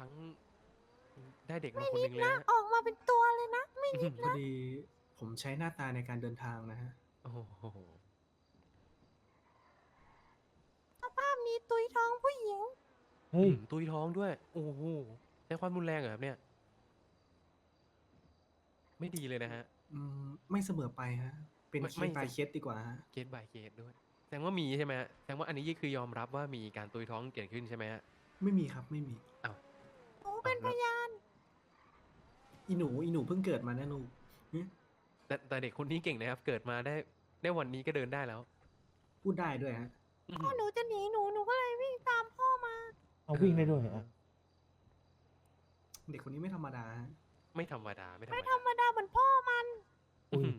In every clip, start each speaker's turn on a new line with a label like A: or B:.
A: รั้งได้เด็กมาคนหนึ่งเลย
B: นะ
A: ฮะ
B: ออกมาเป็นตัวเลยนะ ไม่นิด
C: พอดีผมใช้หน้าตาในการเดินทางนะฮะ
A: โอ้โห
B: สภาพนี้ตุยท้องผู้หญิง
D: เฮ้ย
A: ตุยท้องด้วย โอ้โหใช้ความรุนแรงเหรอครับเนี่ย ไม่ดีเลยนะฮะ
C: ไม่เสมอไปฮะ เป็น
A: ไม่
C: เค
A: ไม่
C: ส by เคสดีกว่าฮะ
A: เคส by เคสด้วย แสดงว่ามีใช่ไหมฮะ แสดงว่าอันนี้คือยอมรับว่ามีการตุยท้องเกิดขึ้นใช่ไหมฮะ
C: ไม่มีครับไม่มี
A: อ้าว
B: หนูเป็นพยาน
C: อีหนูเพิ่งเกิดมานะลูกหึ
A: แต่เด็กคนนี้เก่งนะครับ เกิดมาได้วันนี้ก็เดินได้แล้ว
C: พูดได้ด้วยฮะ
A: อื้อ
B: พ่
A: หื
B: อ
A: อ
B: หนูจะหนีหนู หนูก็เลยวิ่งตามพ่อมา
D: เอาวิ่งได้ด้วยอ่ะ
C: เด็กคนนี้ไม่ธรรมดาฮะ
A: ไม่ธรรมดา ไม่ธรรม
B: ไม่
A: ดา
B: ธรรมดาเหมือนพ่อมัน
A: อื้อหือ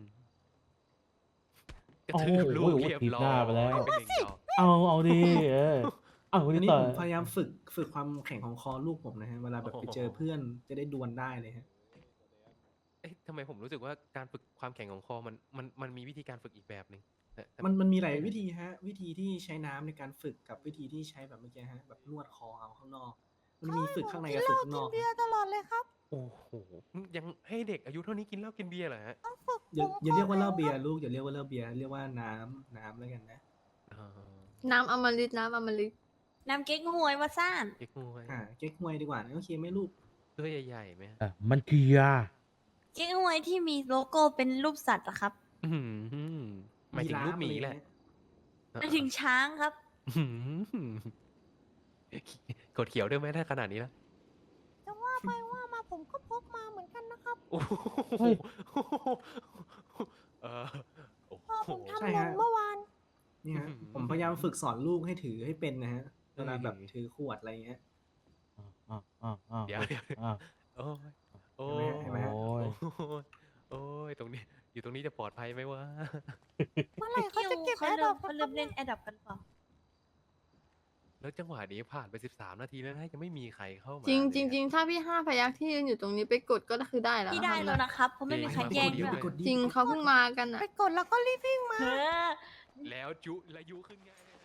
A: กระ
D: โอ้
A: ทื
D: โห
A: บลูกเรียบ
D: ถีบ
A: ร้อ
D: หน้าไปแล้ว
A: ยเป็นหนึ่งดอก
D: เอาดิเอาคน
C: อัน
D: นี้
C: นี้
D: ต่อ
C: ผมพยายามฝึกความแข็งของคอลูกผมนะฮะ เวลาแบบไปเจอเพื่อนจะได้ดวลได้เลยฮะ
A: เอ๊ะทำไมผมรู้สึกว่าการฝึกความแข็งของคอมันมีวิธีการฝึกอีกแบบหนึ่งแต่
C: มันมีหลายวิธีฮะ วิธีที่ใช้น้ำในการฝึกกับวิธีที่ใช้แบบเมื่อกี้ฮะ แบบนวดคอเอาข้างนอก มันมีฝึกข้างในกับฝึกข้างนอก
B: เบียร์ตลอดเลยครับ
A: โอ้โห ยังให้เด็กอายุเท่านี้กินเหล้ากินเบียร์เหรอฮะ
B: ต้องฝึก
C: อย่าเรียกว่าเหล้าเบียร์ลูกอย่าเรียกว่าเหล้าเบียร์เรียกว่าน้ำแล้วกันนะ
A: อ๋อ
E: น้ำอมฤตน้ำอมฤต
B: น้ำเก๊กฮวยมาซ่าน
A: เก๊กฮวย
C: เก๊กฮวยดีกว่าโอเคไหมลูก
A: ตัวใหญ่ๆไหมฮะ
D: มันเกียร์
B: เก๊กฮวยที่มีโลโก้เป็นรูปสัตว์อะครับ
A: อื้อหือหมายถึงรูปหมีแหละ
B: หมายถึงช้างครับ
A: อื้อหือกดเขียวด้วยไหมถ้าขนาดนี้แล้ว
B: จะว่าไปว่ามาผมก็พกมาเหมือนกันนะครับ
A: โอ้โหเออโอ้
B: พ่อ
A: โห
B: ผมทำ
C: ใช่
B: หล่
C: ฮะ
B: นเมื่อวาน
C: นี่ฮะ
A: อื้อหือ
C: ผมพยายามฝึกสอนลูกให้ถือให้เป็นนะฮะเวลาแบบ
A: เออ
C: ถือขวดอะไรเงี้ย
A: เดี๋ยว โอ้ยโอ้ย
C: เห็นไหมฮะ
D: โอ้ย
A: โอ้ยตรงนี้ อยู่ตรงนี้จะปลอดภัยไหมวะ
B: เมื่อไหร่เขาจะเก็บ
F: เขา
B: แอด
F: เริ่
B: ดอ
F: ม
B: ป
F: เขาเริ่มเล่นแอดดับกันเปล่า
A: แล้วจังหวะนี้ผ่านไป13 นาทีแล้วนะยังไม่มีใครเข้ามา
E: จริง
A: เลย
E: จริง
A: อะ
E: จริงถ้าพี่5 พยัคฆ์ที่ยืนอยู่ตรงนี้ไปกดก็คือได้แล้ว
F: พี่ได้
E: นะคะ
F: แล้วนะครับ เพราะไม่มีใคร
A: จริง
F: แย่ง
A: เดี๋
F: ด้
A: ยว
F: วย
C: กดดี
E: จริงเขาเพิ่งมากันอ่ะ
B: ไปกดแล้วก็รีบวิ่งมา
F: เออ
A: แล้วและยุขึ้นง่ายเลยนะ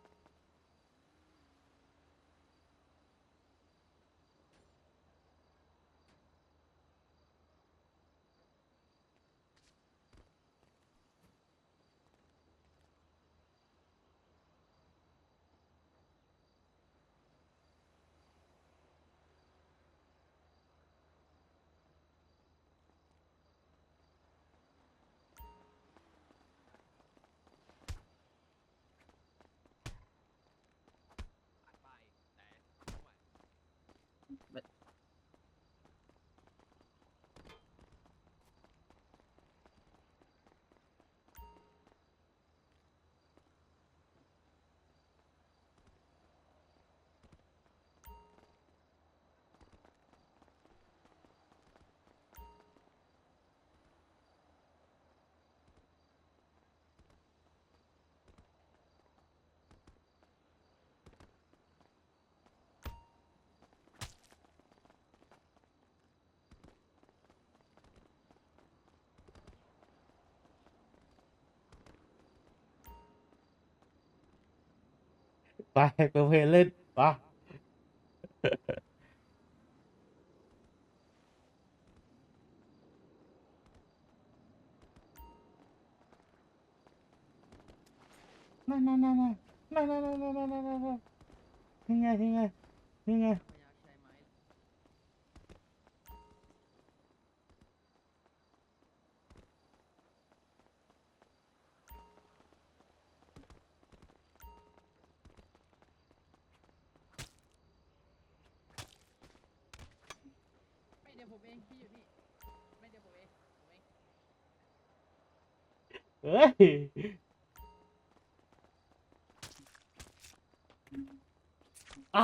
D: ไปเปิดเพลงเล่นปะนั่นนี่ไงเฮ้ยอ่ะ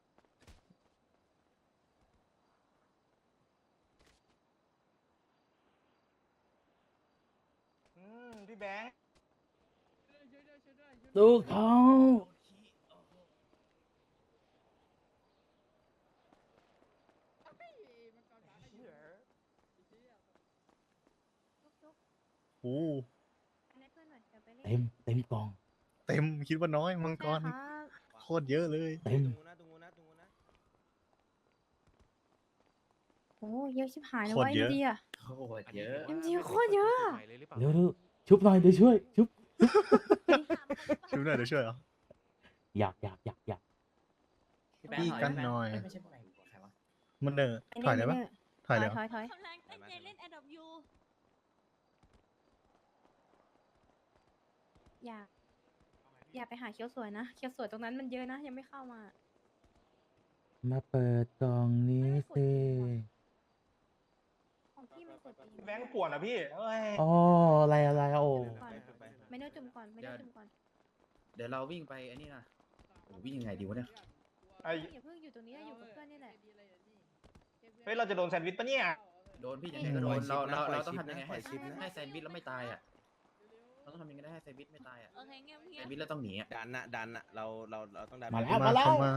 G: พี่แบงค์
D: ลูกเขา
G: โอ้
D: เต็มกล่อง
G: เต็มคิดว่าน้อยมังกรโคตรเยอะเลย
D: เต็ม
F: โอ้เยอะชิบหายเลย
G: โคตร
F: วะ
G: เยอะ
F: ดีอ่ะ
C: โอ้โหเยอะ
F: จริงๆโคตรเยอะอะ
A: ใหม่เลยหรือเปล่า
D: เร็วชุบหน่อยเดี๋ยวช่วย ชุบ
G: ช่วยหน่อยเดี๋ยวช่วยเหรอ
D: อยาก
G: พี่กันหน่อย
C: ไม่ใช่พวกไหนใครวะ
G: มันเนอร์ถอยได้ปะถอยเลยเหรอ
F: ถอย
B: กำลังตั้งใจเล่นแอดดอปยู
F: อย่าไปหาเคี้ยวสวยนะเคี้ยวสวยตรงนั้นมันเยอะนะยังไม่เข้ามา
D: มาเปิดกล่องนี้สิ
F: ของพี่มันกดเอง
G: แบงค์ป่วนอ่ะพี่เอ้ย
D: อ๋ออะไรโอ้
F: ก่อนไม่ได้จุ่มก่อนไม่ได้จุ่มก่อน
H: เดี๋ยวเราวิ่งไปอันนี้นะโอ้วิ่งยังไงดีวะเนี่ย
G: ไอ้
F: อย่าเพิ่งอยู่ตรงนี้นะอยู่กับเพื่อนนี่แหละ
G: เฮ้ยเราจะโดนแซนด์วิชปะเนี่ย
H: โดนพี่ยังไงก็โดนเราต้องทำยังไงให้แซนด์วิชแล้วไม่ตายอ่ะเราต้องทำยังไงได้ให้แซนด์วิชไม่ตายอ่ะ
B: โอเคเงียบ
H: แซนด์วิชแล้วต้องหนีอ่ะ
I: ดันอะเราต้องดัน
D: มาแล้ว
G: เข้ามา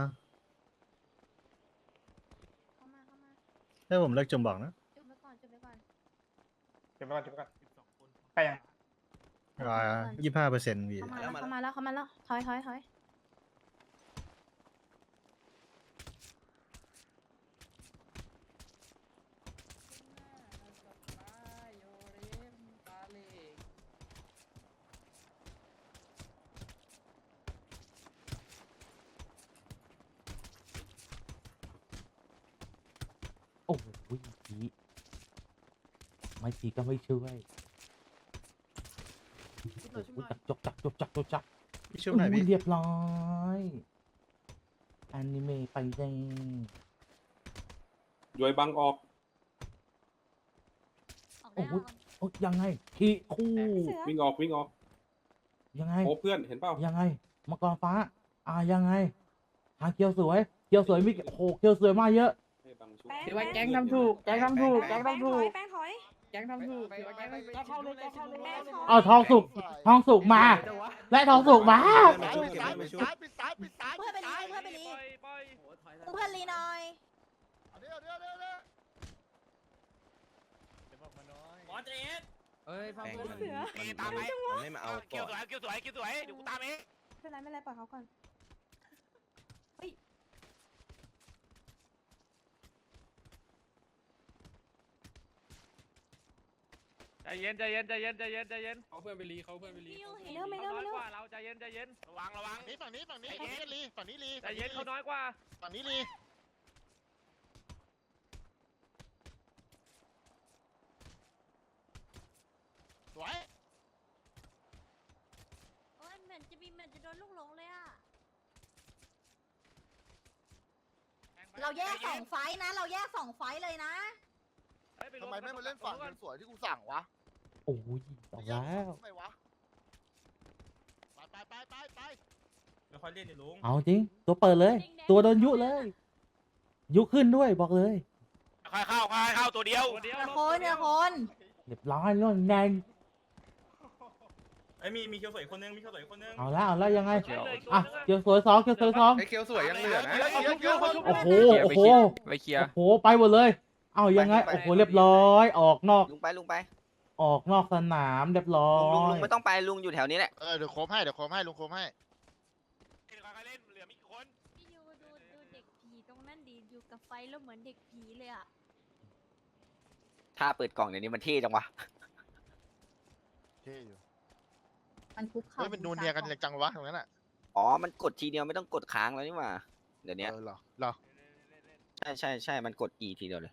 F: เข้ามา
G: ให้ผมเลิกจมบอกนะ
F: จุ่มไปก่อน
G: เก็บไว้ก่อนไปยัง25%พี่
F: เข้ามาแล้วถอย
D: โอ้โหผีไม่ก็ไม่ช่วยโอ้โหจัก
G: พี่ช่วยหน่อยพี่
D: เรียบร้อยอนิเมะไปเลย
J: ย้อยบังออก
B: ออกได้ออก
D: โอ้ยังไงขี้คู่
J: วิ่งออกวิ่งออก
D: ยังไง
J: โอ้เพื่อนเห็นเปล่า
D: ยังไงมังกรฟ้ายังไงหาเกียวสวยมีโอ้โหเกียวสวยมากเยอะ
J: ให้บังชุบ
F: ถือว่าแก๊งทำถูก
I: แก๊งทำถูก
F: แป้งถอย
I: แก๊งทำถูกเข้าเลย
D: เอาทองสุกมา และทองสุกมา
B: เพื่อนไปรีเพื่อนลีหน่อย
A: เอ้ยฟัง
I: แบง
A: พูด
I: ค์
A: หน่อย
I: มันไม่มาเอาก่อน
F: ไม่เป็นไรปล่อยเขาก่อน
K: ใจเย็น
J: เขาเพื่อนไปรีเขาเพื่อนไปรี
B: พี่ยูเห็น
F: ไม่เร็ว
K: กว่าเราใจเย็นระวัง
G: ฝั่งนี้ฝั่งนี้ลี
K: ใจเย็นเขาน้อยกว่า
G: ฝั่งนี้ลีสวย
B: โอ้ยเหมือนจะโดนลูกหลงเลยอ่ะ เราแยก2 ไฟท์นะ เราแยก2 ไฟท์เลยนะ
G: ทำไมไม่มาเล่นฝั่งสวยที่กูสั่งวะ
D: โอ้ยตายแล้ว
G: ทำไมวะไป
I: ไม่ค่อยเล่นดิลุง
D: เอาจริง ตัวเปิดเลย ตัวโดนยุเลย ยุขึ้นด้วยบอกเลย
K: ค่อยเข้าตัวเดียว
B: เดี๋ยวคน
D: เรียบร้อยล่วงแดง
I: ไอ้มีเคียวสวยคนนึง
D: เอาแล้วยังไงเกียวสวยสอง
I: ไอ้เคียวสวยยังเหลือนะ
D: โอ้โหไปหมดเลย เอายังไงโอ้โหเรียบร้อยออกนอก
H: ลุงไป
D: ออกนอกสนามเรียบร้อย
H: ลุงไม่ต้องไปลุงอยู่แถวนี้แหละ
G: เดี๋ยวโคมให้ลุงโคมให้
K: เหลือมีกี่คน
B: พี่ยูดูเด็กผีตรงนั้นดีอยู่กับไฟแล้วเหมือนเด็กผีเลยอ่ะ
H: ถ้าเปิดกล่องเดี๋ยวนี้มันเท่จังวะ
G: เท่อยู่
B: มันคุกเข่า
G: เฮ้ยมันนูนเนียกันจังวะตรงนั้นอ่ะ
H: อ๋อมันกดทีเดียวไม่ต้องกดค้างแล้วนี่หว่าเดี๋ยวนี้
G: เหรอ
H: ใช่มันกด E ทีเดียวเลย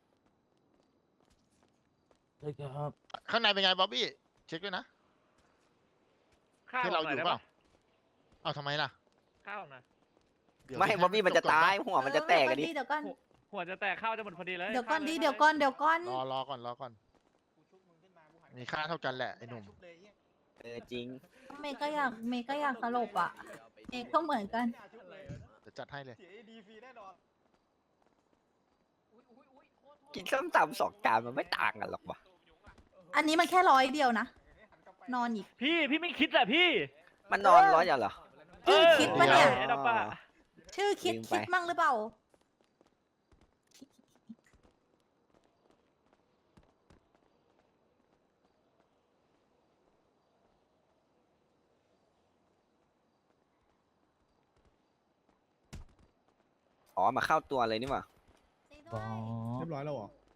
D: เลยครับ
G: ข้างในเป็นไงบ๊อบบี้เช็คด้วยนะ
K: ข้าว
G: ที่
K: หน่
G: เรา
K: อย
G: อยู่
K: ได้
G: เป
K: ปะ
G: ล่าเอาทำไมล่ะ
K: ข้าวหน่อย
H: ไม่บ๊อบบี้มันจะตายหัวมันจะแตกกันดิ
B: เดี๋ยวก่อน
K: หัวจะแตกข้าวจะหมดพอดีเลย
B: เดี๋ยวก่อน
G: รอก่อนมีค่าเท่ากันแหละไอ้หนุ่ม
H: จริง
B: เมย์ก็อยากสลบอ่ะ เมย์ก็เหมือนกัน
G: เดี๋ยวจัดให้เลย
H: กินส้มตำ2 จานมันไม่ต่างกันหรอกวะ
B: อันนี้มันแค่100 เดียวนะ นอนอีก
K: พี่ไม่คิดอะพี่
H: มันนอนร้อยอย่างเหรอ
B: ชื่อคิดปะเนี่ย
K: ไอ้ดอกปะ
B: ชื่อคิด
H: ลืมไป
B: มั่งหรือเปล่า
H: อ๋อมาเข้าตัวเลยนี่หว่า
D: อ๋อ
G: เรียบร้อยแล้วเหรอ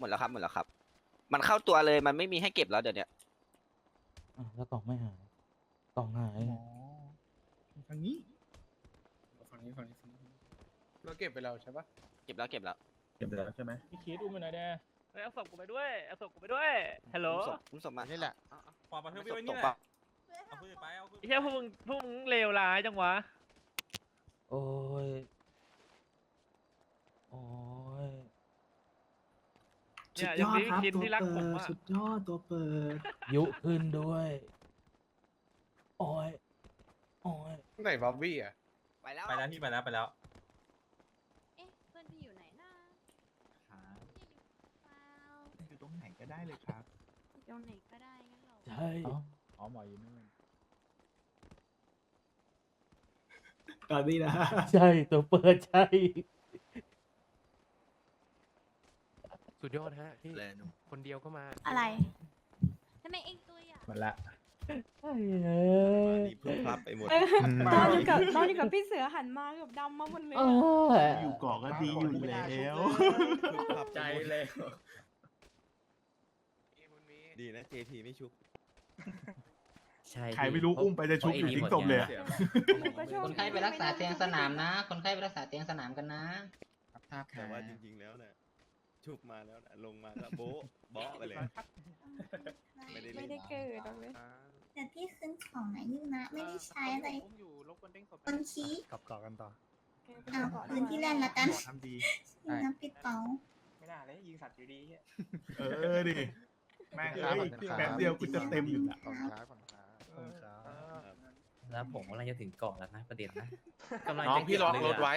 L: มดแล้วครับหมดแล้วครับ มันเข้าตัวเลยมันไม่มีให้เก็บแล้วเดี๋ยวเนี้ย
D: แล้วกล่องไม่หายกล่องหาย
J: ฝั่งนี้ฝั่งนี้เราเก็บไปแล้วใช่ปะ
L: เก็บแล้วเก็บแล้ว
H: เก็บแล้วใช่ไหม
J: พี่คิดอุ้มไปหน่อยแน่
K: เฮ้ยเอาศพกูไปด้วยเอาศพกูไปด้วยฮัลโหล
L: ผมส่งมา
G: นี่แหละ
I: ขวาประเทศพี่ไว้
L: ต
I: นี่
L: ก
I: แห
L: ปะ
I: ละเอาขึ้นไปเอาขึ้น
K: ไอ้เหี้ยพวกมึงเลวร้ายจังวะ
D: โอ้ยโอ้ย
C: สุ
K: เนี่
C: ด
K: ย
C: ย
K: ยัง
C: อด
K: มี
C: ครับ
K: คิด
C: ตัว
K: ที่รักผ
C: เปิ
K: ม
C: ด
K: อะ
C: สุดยอดตัวเปิด
D: ยุขึ้นด้วยโอ้ยโอ้ย
J: ไหนบ๊อบบี้อ่ะ
L: ไปแล้ว
I: ไปแล้วพี่ไปแล้วไปแล้ว
B: เอ๊ะเพื่อนพี่อยู่ไหนนะพี่อยู่เปล่า
H: อยู่ตรงไหนก็ได้เลยครับ
B: อยู่ตรงไหนก็ได้งั้นเหรอ
D: ใช่
J: อ๋อหมออยู่นู่น
C: ตอนนี้นะ
D: ใช่ตัวเปิดใช่
A: สุดยอดฮะพี่คนเดียวก็มา
B: อะไรทำไมเองตัวใหญ่
J: มันละ
D: ใช่เอ้ย
I: นี่เพิ่งพับไปหมด
F: ตอนอยู่กับพี่เสือหันมาแบบดำมาหมดเลย
D: เอ
F: อะ
D: อ
H: อยู่เกาะก็ดีอยู่แล้ว
I: ใจเลย
J: ดีนะ JP ไม่ชุบ
H: ใช่ใครไม่รู้อุ้มไปจะชุบอยู่ทิ้งศพเลยอะ
F: คนไข้ไปรักษาเตียงสนามนะ
E: คนไข้ไปรักษาเตียงสนามกันนะ
J: แต่ว่าจริงๆแล้วเนี่ยชุบมาแล้วนะลงมาก็โบ๊ะเบาะไปเลย ไม่ได้เล่น
F: ไม่ได้เกิดหรอกเลย
E: แต่พี่ขึ้นของไหนอยู่นะ ไม่ได้ใช้อะไรคนชี้
J: กลับต่อกันต่อ
E: พื้นที่แล่นละกัน
J: ทำดี
E: น้ำปิดเป๋า
I: ไม่น่าเลยยิงสัตว์อยู่ดี
H: ดิแม่งครับแป๊บเดียวกูจะเต็มอยู่ละ
G: ขอบคุณครับขอบคุณครับ
H: แล้วผมกำลังจะถึงเกาะแล้วนะประเด็นนะ
I: น้องพี่ล็อกรถไว้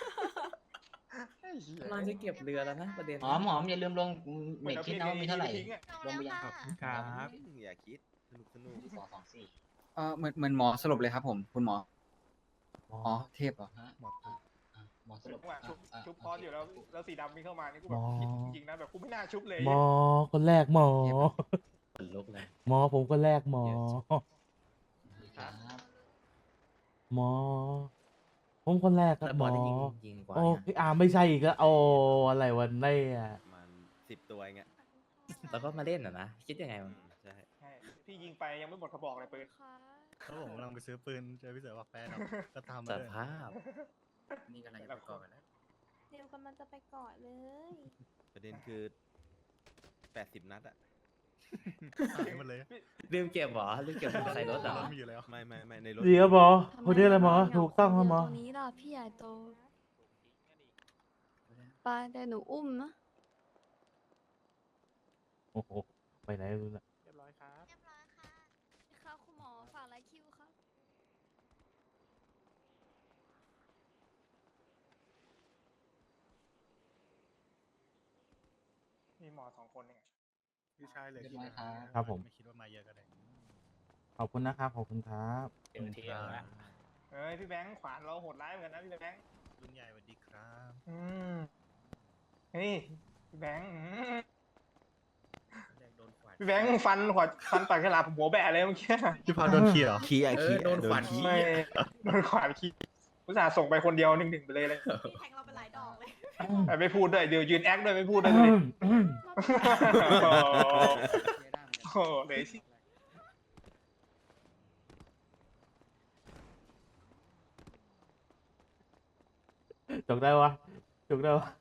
H: กำลังจะเก็บเรือแล้วนะประเด็น
E: หอมอย่าลืมลงเมกคิดนะว่ามีเท่าไหร่ ลงไปยัง
H: ครับ
J: อย่าคิดสนุก
E: 224
H: เหมือนหมอสรุปเลยครับผมคุณหมอ อ๋อเทพเหรอ
E: หมอสรุป
I: ชุบพออยู่แล้วสีดำวิ่งเข้ามานี่กู
D: หมอ
I: จริงนะแบบกูไม่น่าชุบเลย
D: หมอคนแรกหมอ
H: ขนลุกเลย
D: หมอผมคนแรกหมอ หมอ ผมคนแรกครับหมอ
H: ยิงกว่า
D: โอ้พี่อาร์มไม่ใช่อีกแล้วโอ้อะไรวันนี้อ่ะ
J: มัน10 ตัวไง
H: แล้วก็มาเล่นอ่ะนะคิดยังไงมัน
J: ใช่
I: ใช่พี่ยิงไปยังไม่หมดกระบอกเลยปืน
B: ค่ะ
J: เขาผมกำลังไปซื้อปืนเจอพี่เสือว่าแฟนก็ทำ
H: ส
J: มาเลย
H: ภาพ นี่กำลังจะไปก่อนแล้ว
F: เดี๋ยวกำลังจะไปเกาะเลย
J: ประเด็นคือ80 นัดอะหายหมดเลย
H: ลืมเก็บเหรอลืมเก็บใส่รถเหรอ
J: มีอยู่แล้วไม่ในรถ
D: เดี๋ยวหมอคนนี้อะไรหมอถูกต้องครับหมอ
E: ตรงนี้ล่ะพี่ใหญ่โตไปแต่หนูอุ้มนะ
D: โอ้โหไปไหนรู้ละ
B: เรียบร้อยค่ะค่ะคุณหมอฝากไลค์คิวครับ
I: มีหมอ2 คนเนี่ย
J: พี่ชายเลย
D: ครับผม
J: ไม่คิดว่ามาเยอะก็ได้
D: ขอบคุณนะครับขอบคุณครับ
H: เต็มที่แล้วนะ
I: เฮ้ยพี่แบงค์ขวานเราโหดร้ายเหมือนกันนะพี่แบงค์
J: ลุงใหญ่สวัสดีครับ
I: เฮ้ยพี่แบงค์
H: โดนขวาน
I: พี่แบงค์ฟันปากฉลามผมหัวแบะเลยเมื่อกี้
J: พี่พาโดนขี้เหรอขี้อะขี้
H: โดนขวานขี้
I: ไม่โดนขวานขี้อุตส่าห์ส่งไปคนเดียว1-1ไปเลย
B: พี่แทงเราไปหลายดอกเลย
I: แต่ไม่พูดด้วยเดี๋ยวยืนแอคด้วยไม่พูดด้วยเลยโอ้โหเลยสิ
D: จกได้วะจกได้วะ